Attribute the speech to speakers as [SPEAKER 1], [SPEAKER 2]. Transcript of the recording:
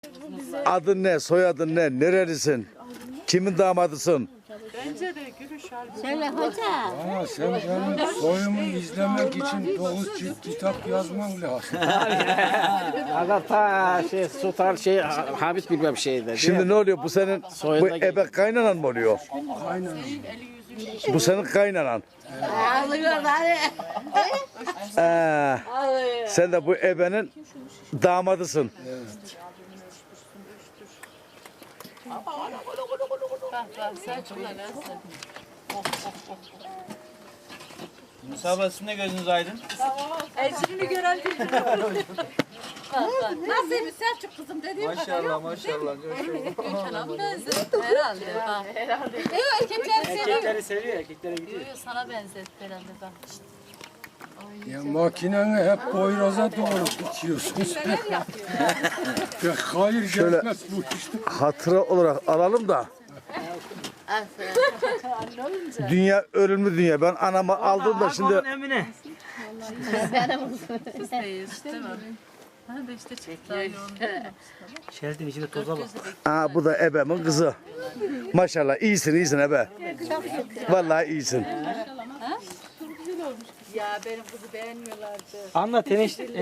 [SPEAKER 1] Adın ne? Soyadın ne? Nerelisin? Kimin damadısın?
[SPEAKER 2] Bence de gülüş halbuki.
[SPEAKER 3] Söyle hoca.
[SPEAKER 4] Ama sen benim soyumu izlemek için 9 cilt kitap yazman lazım.
[SPEAKER 5] Aga ta Sultan Habit bilmem şeydi.
[SPEAKER 1] Şimdi ne oluyor? Bu senin bu
[SPEAKER 5] Soyunda
[SPEAKER 1] ebe kaynanan mı oluyor?
[SPEAKER 4] Aynen.
[SPEAKER 1] Bu senin kaynanan.
[SPEAKER 3] Ağlıyorlar.
[SPEAKER 1] Sen de bu ebenin damadısın.
[SPEAKER 6] Musa sizin de gözünüz aydın.
[SPEAKER 2] Ecrini gören nasıl Selçuk kızım dediğim
[SPEAKER 6] Maşallah maşallah.
[SPEAKER 2] Gökhan'a benzetti herhalde. Herhalde. Erkekleri seviyor.
[SPEAKER 5] Erkekleri seviyor, erkeklere gidiyor.
[SPEAKER 2] Sana benzetti herhalde bak.
[SPEAKER 4] Ya makineni hep boyraza doğru tutuyorsun sen. Ya hayır
[SPEAKER 1] Şöyle-
[SPEAKER 4] gelmez bu işte.
[SPEAKER 1] Hatıra olarak alalım da. Dünya ölümlü dünya. Ben anamı aldım da şimdi
[SPEAKER 5] Emine.
[SPEAKER 2] Değil mi? Ha da işte çıktı yoğun.
[SPEAKER 5] Şeritin içinde toza bak.
[SPEAKER 1] bu da ebemin kızı. Maşallah iyisin ebe. Vallahi iyisin.
[SPEAKER 2] Ya benim kızı beğenmiyorlardı.
[SPEAKER 5] Anla teneş